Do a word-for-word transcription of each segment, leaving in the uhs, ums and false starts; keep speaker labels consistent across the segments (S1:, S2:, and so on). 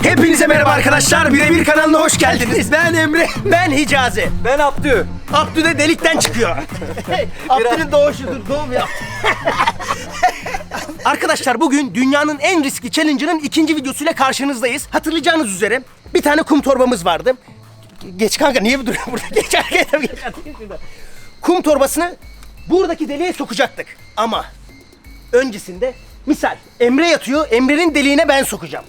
S1: Hepinize merhaba arkadaşlar. Birebir kanalına hoş geldiniz. Ben Emre. Ben Hicazi.
S2: Ben Abdü.
S1: Abdü de delikten çıkıyor. Abdü'nün doğuşudur. Doğum yaptı. Arkadaşlar bugün dünyanın en riskli challenge'ının ikinci videosuyla karşınızdayız. Hatırlayacağınız üzere bir tane kum torbamız vardı. Geç kanka, niye bir duruyor burada? Geç arkaya, geç arkaya. Kum torbasını buradaki deliğe sokacaktık. Ama öncesinde misal Emre yatıyor, Emre'nin deliğine ben sokacağım.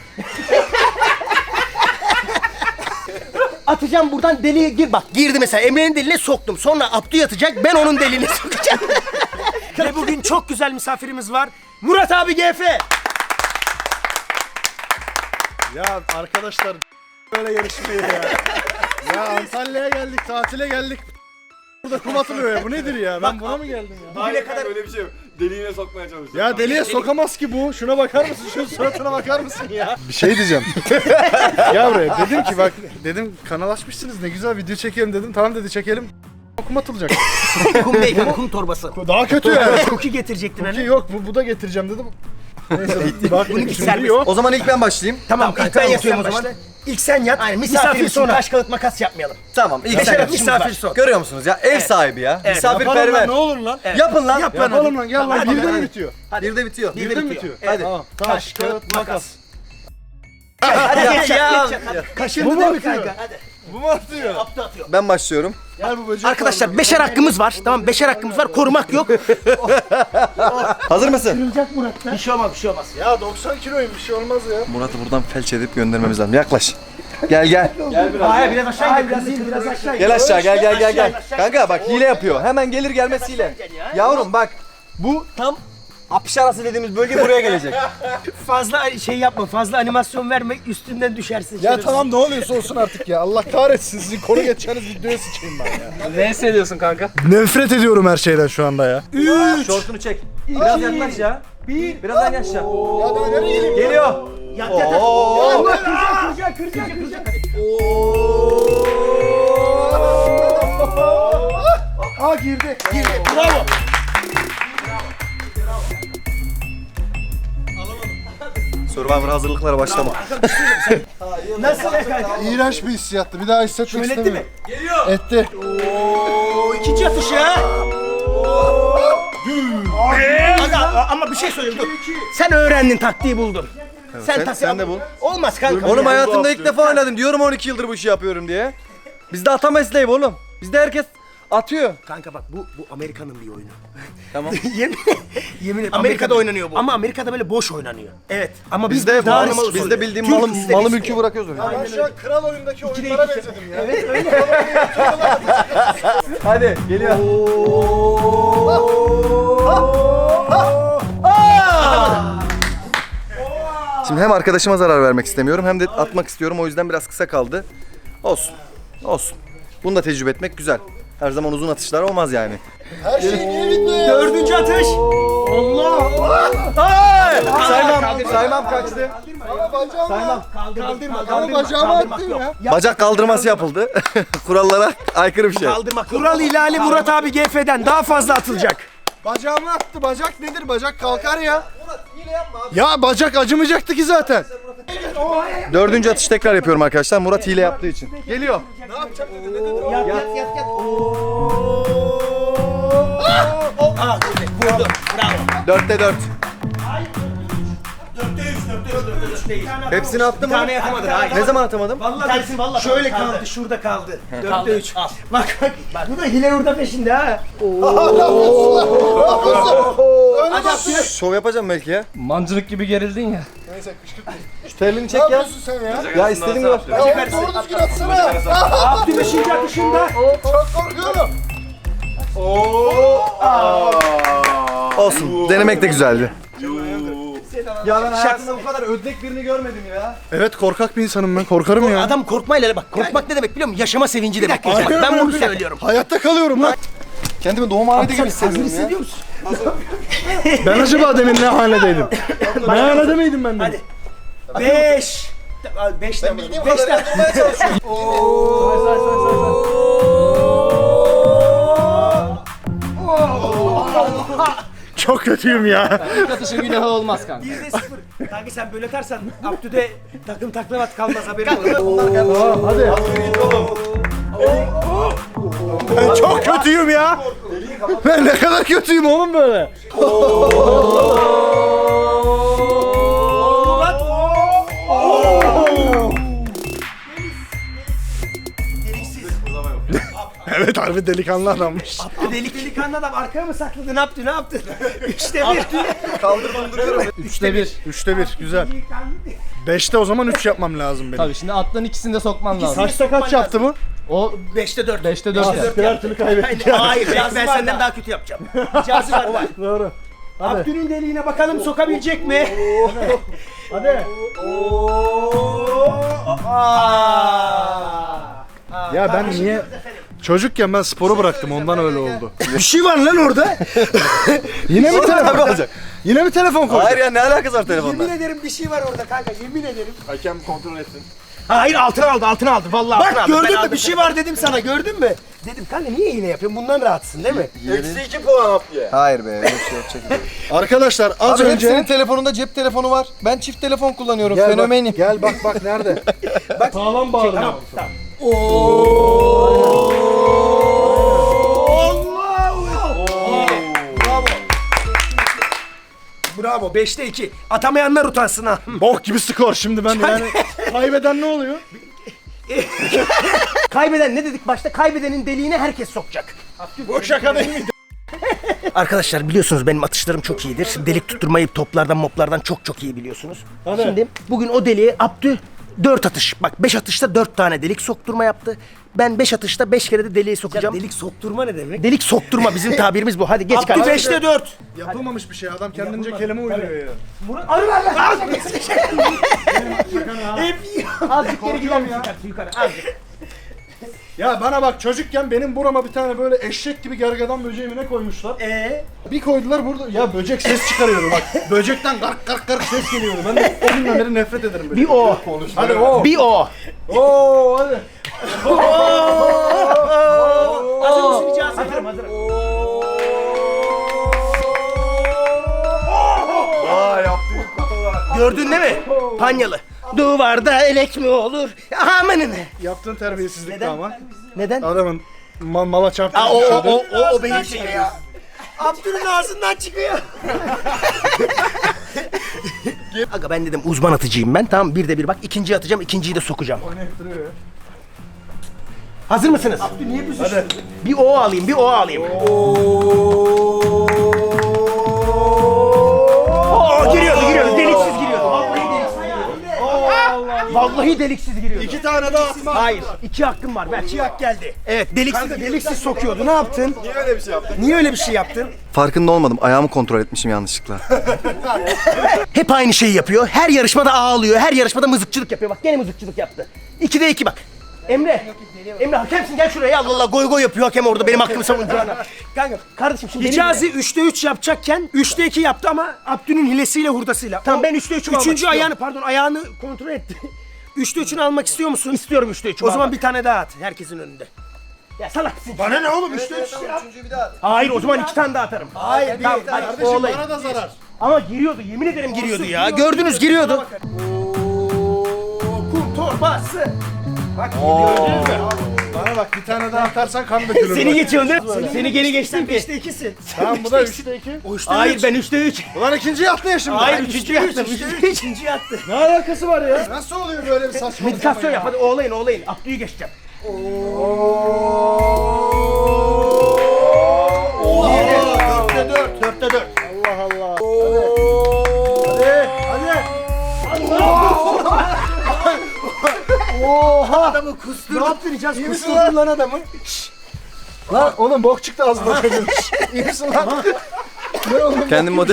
S1: Atacağım buradan, deliğe gir. Bak girdi mesela, Emre'nin deliğine soktum. Sonra Abdü yatacak, ben onun deliğine sokacağım. Ve bugün çok güzel misafirimiz var. Murat abi G F.
S3: Ya arkadaşlar böyle yarışmayı ya. Ya Antalya'ya geldik, tatile geldik. Burada kum atılıyor ya. Bu nedir ya? Ben buna mı geldim ya?
S2: Bugüne kadar öyle bir şey yok. Deliğine sokmaya çalışıyor.
S3: Ya deliğe sokamaz ki bu. Şuna bakar mısın? Şu suratına bakar mısın ya? Bir şey diyeceğim. Ya buraya dedim ki bak, dedim kanal açmışsınız, ne güzel video çekelim dedim. Tamam dedi, çekelim. Kum atılacak.
S1: Kum değil, kum torbası.
S3: Daha kötü yani.
S1: Cookie getirecektin
S3: Ki
S1: hani.
S3: yok, bu, bu da getireceğim dedim. Neyse bak,
S1: Bununki
S3: şimdi
S1: serbest.
S3: yok.
S2: O zaman ilk ben başlayayım.
S1: Tamam,
S2: Tamam
S1: ilk ben
S2: tamam,
S1: yatıyorum o
S2: sen
S1: zaman.
S2: başla.
S1: İlk sen yat. Aynen, misafir,
S2: Misafir
S1: sonra.
S2: sonra.
S1: Taş kağıt makas yapmayalım.
S2: Tamam ilk
S1: Beşer
S2: sen.
S1: atışımız
S2: Misafir
S1: var.
S2: son. Görüyor musunuz ya? Ev sahibi ya.
S1: Evet.
S3: Yapalım lan,
S2: Misafirperver.
S3: ne olur lan.
S1: Evet.
S2: Yapın lan.
S1: Yap lan.
S3: Yapalım lan, gel lan.
S1: Hadi,
S3: Birde
S1: hadi.
S3: mi bitiyor?
S2: Bir de bitiyor.
S1: Bir de
S3: Birde mi
S1: bitiyor.
S3: bitiyor?
S1: Evet.
S3: Tamam.
S1: Taş, kağıt, makas.
S2: Hadi
S1: Hadi
S2: geç
S1: geç
S2: ya.
S1: yat, geç yat. Kaşındı
S3: Bu mu
S1: değil mi
S3: bitiyor?
S1: kanka? Hadi.
S3: Bu mu atıyor?
S1: Abdü atıyor.
S2: Ben başlıyorum.
S3: Gel bu böceği.
S1: Arkadaşlar beşer hakkımız var. Tamam, beşer hakkımız var. Korumak yok.
S2: Hazır mısın?
S1: Kırılacak Murat'ta. Bir şey olmaz, bir şey olmaz.
S3: Ya doksan kiloyum, bir şey olmaz ya.
S2: Murat'ı buradan felç edip göndermemiz lazım. Yaklaş. Gel gel.
S1: Hayır, biraz aşağı in. Biraz in, biraz aşağı in.
S2: Gel aşağı gel gel gel gel.
S1: Aşağı,
S2: Kanka bak hile yapıyor. Hemen gelir gelmez hile. Yavrum bak. Bu tam apış arası dediğimiz bölge buraya gelecek.
S1: Fazla şey yapma, fazla animasyon verme, üstünden düşersin.
S3: Ya
S1: şerefsiz.
S3: tamam, ne oluyorsa olsun artık ya. Allah kahretsin, sizin konu geçeceğiniz videoya sıçayım ben ya.
S4: Ne hissediyorsun kanka?
S3: Nefret ediyorum her şeyden şu anda ya.
S2: Şortunu çek. Biraz yaklaş ya.
S1: Bir.
S2: Birazdan yaşa.
S3: Ya daha nereye geleyim?
S2: Geliyor.
S1: Yat yat yat.
S2: Oo.
S1: Allah, kıracak, kıracak, kıracak, kıracak.
S3: Aa girdi.
S1: Girdi. Bravo.
S2: Survivor hazırlıklara başlama.
S1: Nasıl ya kanka?
S3: İğrenç bir hissiyattı. Bir daha hissetmek
S1: Şöyle etti mi?
S3: istemiyorum. Etti.
S1: Oo, ikinci atış ya. Aga, ama bir şey söyleyeyim, dur. Sen öğrendin, taktiği buldun. Sen,
S2: sen-
S1: taktiği-
S2: sen de bul.
S1: Olmaz kanka.
S2: Oğlum
S1: Yani.
S2: hayatımda ilk defa oynadım. Diyorum on iki yıldır bu işi yapıyorum diye. Bizde ata mesleği bu oğlum. Bizde herkes atıyor.
S1: Kanka bak, bu bu Amerika'nın bir oyunu.
S2: Tamam.
S1: yemin, yemin ederim. Amerika'da oynanıyor bu. Ama Amerika'da böyle boş oynanıyor. Evet. Ama biz
S2: Bizde
S1: daha
S2: malı,
S1: riskli
S2: bizde
S1: oluyor.
S2: bildiğim
S1: Türk
S2: malı,
S1: bizde
S2: malı
S1: riskli.
S2: mülkü bırakıyoruz oraya.
S3: Ben şu an kral oyundaki oyunlara benzedim ya.
S1: Evet öyle.
S2: Hadi geliyor. Şimdi hem arkadaşıma zarar vermek istemiyorum hem de atmak istiyorum. O yüzden biraz kısa kaldı. Olsun. Olsun. Bunu da tecrübe etmek güzel. Her zaman uzun atışlar olmaz yani.
S3: Her şey niye bitmiyor?
S1: Dördüncü atış. Allah.
S2: Ay! Saymam, saymam kaçtı.
S3: Ama bacağım
S2: Saymam.
S1: Kaldırma.
S3: Ama bacağımı attın ya.
S2: Bacak kaldırması yapıldı. Kurallara aykırı bir şey.
S1: Kaldırma. Kural ihlali Murat abi G F'den daha fazla atılacak.
S3: Bacağımı attı. Bacak nedir? Bacak kalkar ya. Ya bacak acımayacaktı ki zaten.
S2: Dördüncü atış tekrar yapıyorum arkadaşlar. Murat hile yaptığı için. Geliyor.
S3: Ne yapacak dedi? Ne dedi?
S1: Yat yat yat yat. Aa, vurdu. Bravo.
S2: Dörtte dört.
S1: Dörtte üç, dörtte üç, dörtte üç değil.
S2: Hepsini attım
S1: Bir
S2: mı?
S1: tane yapamadın. Hayır.
S2: Ne zaman atamadım?
S1: Vallahi tanesini vallahi şöyle kaldı, şurada kaldı. Dörtte üç. Bak bak. Bak bu da hile hurda peşinde ha. Hadi atıyor.
S2: Şov yapacağım belki ya.
S4: Mancınık gibi gerildin ya.
S3: Neyse kışkırtma.
S2: Şu terliğini
S3: Ne
S2: çek ya.
S3: yapıyorsun sen ya?
S2: Ya istediğin gibi.
S3: Ya oğlum doğru düzgün atsana.
S1: Abdü beşinci atışında.
S3: Çok korkuyorum.
S2: Olsun. Denemek de güzeldi. Ya ben hayatımda bu kadar ödlek birini görmedim ya.
S3: Evet, korkak bir insanım ben. Korkarım ya.
S1: Adam korkmayla bak. Korkmak ne demek biliyor musun? Yaşama sevinci demek. Bak, ben bunu söylüyorum.
S3: Hayatta kalıyorum lan.
S2: Kendimi doğum halinde gibi
S1: Hazır
S2: hissediyorum ya.
S1: hissediyor musun?
S3: Ben acaba demin ne haledeydim? Ne halede miydim ben demin?
S1: Hadi. Beş. Beş de
S2: Bildiğim
S1: Beş
S2: kadar
S1: de.
S2: yapmaya çalışıyorum.
S3: Çok kötüyüm ya.
S4: İlk atışın günahı olmaz kanka.
S1: Bir de sıfır. Kanka sen böyle atarsan Abdü'de takım taklavat kalmaz haberin olur.
S3: Hadi. Ben çok kötüyüm ya. Ben ne kadar kötüyüm oğlum böyle. Evet harbi delikanlı adammış.
S1: Abdü delik delikanlı adam arkaya mı sakladı ne yaptı ne yaptı? Üçte bir.
S2: Kaldırdım duruyorum.
S4: Üçte bir.
S3: Üçte bir güzel. Beşte o zaman üç yapmam lazım benim.
S4: Tabii şimdi atların ikisini de sokman lazım.
S3: Kaçta kaç yaptı bu?
S4: O
S1: Beşte dört.
S4: beşte dört. yaptı.
S3: Her türlü kaybettik.
S1: Hayır ben, ben senden daha kötü yapacağım. İcazı var. var.
S3: Doğru. Hadi.
S1: Abdü'nün deliğine bakalım sokabilecek mi?
S3: Hadi. Ya ben niye çocukken ben sporu bıraktım ondan öyle oldu. Bir şey var lan orada. Yine mi
S2: Sonra
S3: telefon
S2: ne olacak?
S3: Yine mi telefon koydun?
S2: Hayır ya ne alakası var telefonla?
S1: Yemin ederim bir şey var orada kanka yemin ederim.
S2: Hakem kontrol etsin.
S1: Hayır altına aldı altına aldı vallahi altına
S3: Bak
S1: aldı. Ben
S3: gördün mü
S1: aldım
S3: bir şey
S1: seni.
S3: var dedim sana gördün mü?
S1: Dedim kanka niye iğne yapıyorsun bundan rahatsın değil mi?
S2: Eksi iki puan Abdü'ye. Hayır be öyle bir şey yapacak.
S3: Arkadaşlar az
S2: Abi
S3: önce
S2: hepsinin telefonunda cep telefonu var. Ben çift telefon kullanıyorum.
S3: Gel bak,
S2: Fenomenim.
S3: gel bak bak nerede?
S1: Bak
S3: Sağlam bağırın.
S1: tamam tamam. Bravo. Bravo beşte iki. Atamayanlar utansın ha.
S3: Bok gibi skor şimdi ben yani. Kaybeden ne oluyor?
S1: Kaybeden ne dedik başta? Kaybedenin deliğine herkes sokacak.
S3: Bu şaka değil miydi?
S1: Arkadaşlar biliyorsunuz benim atışlarım çok iyidir. Delik tutturmayı toplardan moplardan çok çok iyi biliyorsunuz.
S3: Hadi.
S1: Şimdi bugün o deliğe Abdü dört atış. Bak beş atışta dört tane delik sokturma yaptı. Ben beş atışta beş kere de deliği sokacağım.
S5: Delik sokturma ne demek?
S1: Delik sokturma bizim tabirimiz bu. Hadi geç
S5: Abdü
S1: kardeşim.
S5: beşte dört.
S3: Yapılmamış bir şey adam kendince kelime uyduruyor ya.
S1: Arı ver ver. Azıcık geri gider misin kardeşim yukarı? Azıcık.
S3: Ya bana bak çocukken benim burama bir tane böyle eşek gibi gergedan böceğimi ne koymuşlar?
S1: Eee?
S3: Bir koydular burada ya böcek ses çıkarıyordu bak. Böcekten gark gark gark ses geliyordu. Ben de o günden beri nefret ederim böyle.
S1: Bir o.
S3: Hadi o.
S1: Bir o.
S3: Oo hadi.
S1: Hazır mısın Hicazi? Hazırım hazırım.
S2: Aa yaptı.
S1: Gördün değil mi? Panyalı. Duvarda elek mi olur? Amanın.
S3: Yaptığın terbiyesizlik
S1: Neden?
S3: ama.
S1: Neden?
S3: Adamın ma- mala çarptı.
S1: Aa, o, o, o, o, o benim şeyim ya. Abdül'ün ağzından çıkıyor. Aga ben dedim uzman atıcıyım ben. Tamam bir de bir bak ikinciyi atacağım ikinciyi de sokacağım. Hazır mısınız? Abdül niye büzüştün? Bir o alayım bir o alayım. Oo giriyordu giriyordu deliksiz giriyordu. Vallahi deliksiz giriyordu. Vallahi deliksiz giriyordu.
S3: İki tane daha atma.
S1: Hayır iki hakkım var ver. İki hak geldi. Evet deliksiz
S3: Kanka
S1: deliksiz sokuyordu ne yaptın?
S2: Niye öyle bir şey yaptın?
S1: Niye öyle bir şey yaptın?
S2: Farkında olmadım. Ayağımı kontrol etmişim yanlışlıkla.
S1: Hep aynı şeyi yapıyor. Her yarışmada ağlıyor. Her yarışmada mızıkçılık yapıyor. Bak gene mızıkçılık yaptı. İkide iki bak. Emre. Emre hakemsin gel şuraya. Allah Allah goy goy yapıyor hakem orada benim hakkımı savunacağına. Kanka kardeşim şimdi beni
S5: Hicazi
S1: dinle.
S5: üçte üç yapacakken üçte iki yaptı ama Abdü'nün hilesiyle hurdasıyla.
S1: Tamam ben üçte üçümü almak
S5: Üçüncü
S1: istiyorum.
S5: ayağını pardon ayağını kontrol etti. Üçte üçünü almak istiyor musun?
S1: İstiyorum üçte üçümü
S5: O zaman
S1: almak.
S5: bir tane daha at herkesin önünde.
S1: Ya salaksın.
S3: Bana ne oğlum üçte üç.
S2: Üçüncüyü bir daha.
S1: Hayır o zaman iki tane daha atarım.
S3: Hayır bir
S1: Tamam, hadi,
S3: kardeşim
S1: olayım.
S3: bana da zarar.
S1: Ama giriyordu yemin ederim giriyordu ya. Gördünüz giriyordu.
S5: Kum torbası.
S1: Bak gördünüz mü?
S3: Bana bak bir tane daha atarsan kan dökülür.
S1: Seni
S3: bak.
S1: geçiyorsun değil mi? Seni geri geçtim ki.
S5: Beşte ikisin.
S3: Tamam bu da üçte iki.
S5: O üçte
S1: Hayır
S5: üç.
S1: ben üçte üç.
S3: Ulan ikinciyi attı ya şimdi.
S1: Hayır
S3: Ay,
S1: üçüncü yaptım.
S5: Üçte
S1: Üçte
S5: üç.
S1: üç.
S5: İkinciyi attı.
S3: Ne alakası var ya? Nasıl oluyor böyle bir saçmalık?
S1: Meditasyon yap hadi oğlayın oğlayın. Abdü'yü geçeceğim.
S3: Dörtte dört.
S1: Dörtte dört.
S3: Allah Allah. Hadi. Hadi. Oha.
S1: Adamı kustur.
S3: Ne yaptın Hicaz? Kusturdun lan adamı. Şşş. Lan oğlum bok çıktı ağzından çocuğun. İyi misin lan? Ne oğlum?
S2: Kendim model.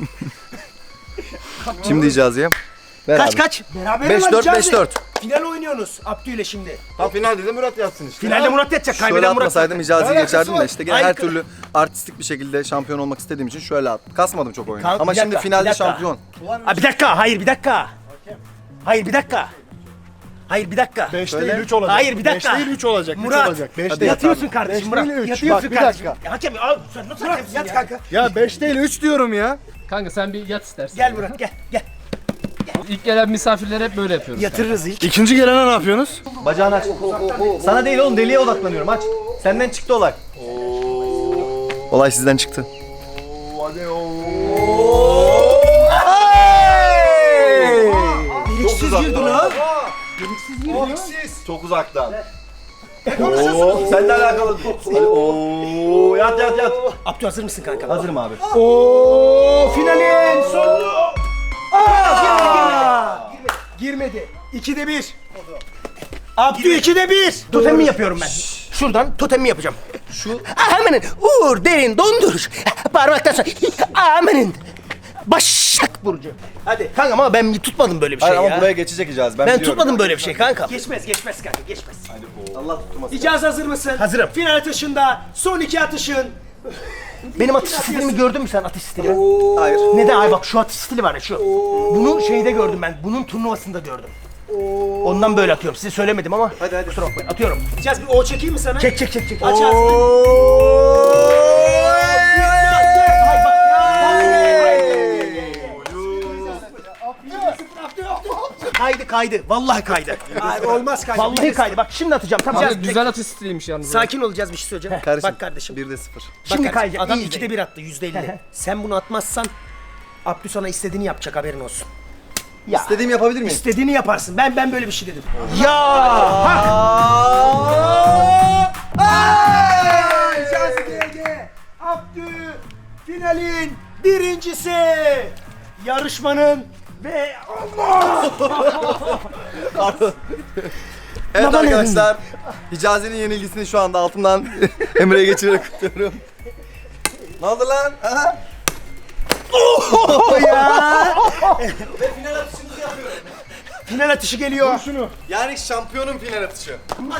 S2: Şimdi Hicazi'ye.
S1: Kaç kaç?
S5: Beraber
S2: beş
S5: lan
S2: dört
S5: Hicazi.
S2: beş dört.
S5: Final oynuyorsunuz Abdü ile şimdi.
S2: Ha finalde de Murat yatsın işte.
S1: Finalde Murat yatacak.
S2: Şöyle
S1: Kaybeden Murat.
S2: atmasaydım Hicazi'yi
S3: Alakası
S2: geçerdim
S3: var.
S2: de işte gene
S1: Ay,
S2: her
S1: kı-
S2: türlü artistik bir şekilde şampiyon olmak istediğim için şöyle at. Kasmadım çok oyunu.
S1: Kanka,
S2: Ama
S1: bir
S2: şimdi
S1: dakika, bir
S2: finalde
S1: dakika.
S2: şampiyon.
S1: Ha, bir dakika hayır bir dakika. Hayır bir dakika. Hayır bir dakika.
S3: beş
S2: Söyle.
S3: değil üç olacak.
S1: Hayır bir dakika.
S3: beş değil üç olacak. üç
S1: Murat.
S3: olacak. beş
S1: Hadi
S3: değil.
S1: yatıyorsun kardeşim
S3: beş
S1: Murat.
S3: değil, üç.
S1: Yatıyorsun
S3: Bak, bir
S1: kardeşim.
S3: dakika.
S1: Ya hakem abi sen nasıl hakemsin
S5: Yat
S1: ya?
S5: kanka.
S3: Ya beş değil üç diyorum ya.
S4: Kanka sen bir yat istersen.
S1: Gel Murat gel gel.
S4: İlk gelen misafirlere hep böyle yapıyoruz.
S1: Yatırırız ilk.
S3: İkinci gelene ne yapıyorsunuz?
S2: Bacağını aç. Sana değil oğlum, deliğe odaklanıyorum, aç. Senden çıktı olay. Olay sizden çıktı.
S1: Deliksiz girdin ha.
S2: Çok uzaktan. Oo, seninle alakalı. Oo, yat yat yat.
S1: Abdü hazır mısın kanka?
S2: Hazırım abi.
S5: Oo finalin sonunu. Aa! Girmedi. İkide bir. Abdü ikide bir.
S1: Totemimi yapıyorum ben. Şuradan totemimi yapacağım. Şu. Amenin. Uğur derin donduruş. Parmaktan sonra. Amenin. Başak Burcu. Hadi. Kanka ama ben tutmadım böyle bir şey
S2: Hayır
S1: ya.
S2: ama buraya geçecek icaz. Ben,
S1: Ben
S2: biliyorum.
S1: tutmadım böyle bir şey kanka.
S5: Geçmez geçmez kanka geçmez.
S2: Allah tutturmasın.
S5: İcaz hazır mısın?
S1: Hazırım.
S5: Final atışında son iki atışın.
S1: Benim atış stilimi gördün mü sen atış stilimi?
S2: Hayır.
S1: Neden? Ay bak şu atış stili var ya şu. Bunu şeyde gördüm ben. Bunun turnuvasında gördüm. Ondan böyle atıyorum. Size söylemedim ama.
S2: Hadi hadi.
S1: Kusura bakmayın. Atıyorum.
S5: İcaz bir O çekeyim mi sana?
S1: Çek çek çek çek.
S5: Aç ağzını.
S1: Ay bak. Kaydı kaydı. Vallahi kaydı.
S5: Hayır olmaz kanka.
S1: Vallahi kaydı. Bak şimdi atacağım. Tamam.
S4: Kanka güzel atış stiliymiş yalnız.
S1: Sakin olacağız bir şey söyleyeceğim.
S2: Kardeşim,
S1: Bak kardeşim.
S2: bir de sıfır.
S1: Şimdi
S5: kardeşim,
S1: kayacak. Adam
S5: iyi
S1: ikide
S5: izleyin.
S1: bir attı. Yüzde elli. Sen bunu atmazsan Abdü sana istediğini yapacak, haberin olsun. Ya.
S2: İstediğimi yapabilir miyim?
S1: İstediğini yaparsın. Ben ben böyle bir şey dedim. Ya!
S5: İcaz G G. Abdü finalin birincisi. Yarışmanın ve
S2: Evet
S1: Baban
S2: arkadaşlar, Hicazi'nin yenilgisini şu anda altından Emre'ye geçirerek kutluyorum. Ne oldu lan? Ha?
S1: Final atışı geliyor.
S2: Yani şampiyonun final atışı.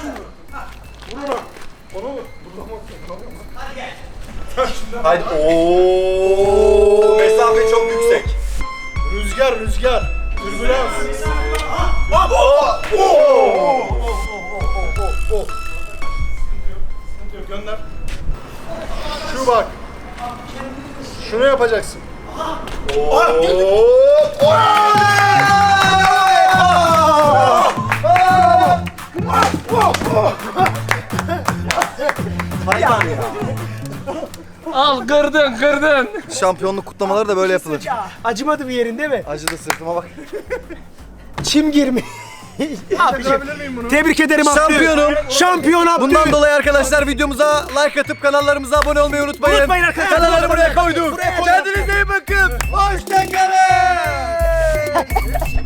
S2: Hadi. Ooo. Mesafe çok yüksek.
S3: Rüzgar rüzgar. Türbülans. Gönder. Şu bak. Şunu yapacaksın.
S4: Al kırdın kırdın.
S2: Şampiyonluk kutlamaları da böyle yapılır.
S5: acımadı bir yerin değil mi?
S2: Acıdı sırtıma bak.
S5: Çim girmiş. Abiciğim, tebrik ederim Abdü.
S2: Şampiyonum.
S5: Şampiyon Abdü.
S2: Bundan dolayı arkadaşlar videomuza like atıp kanallarımıza abone olmayı unutmayın.
S5: Unutmayın arkadaşlar.
S2: Kanalları buraya koyduk. Kendinize iyi bakın. Hoşçakalın.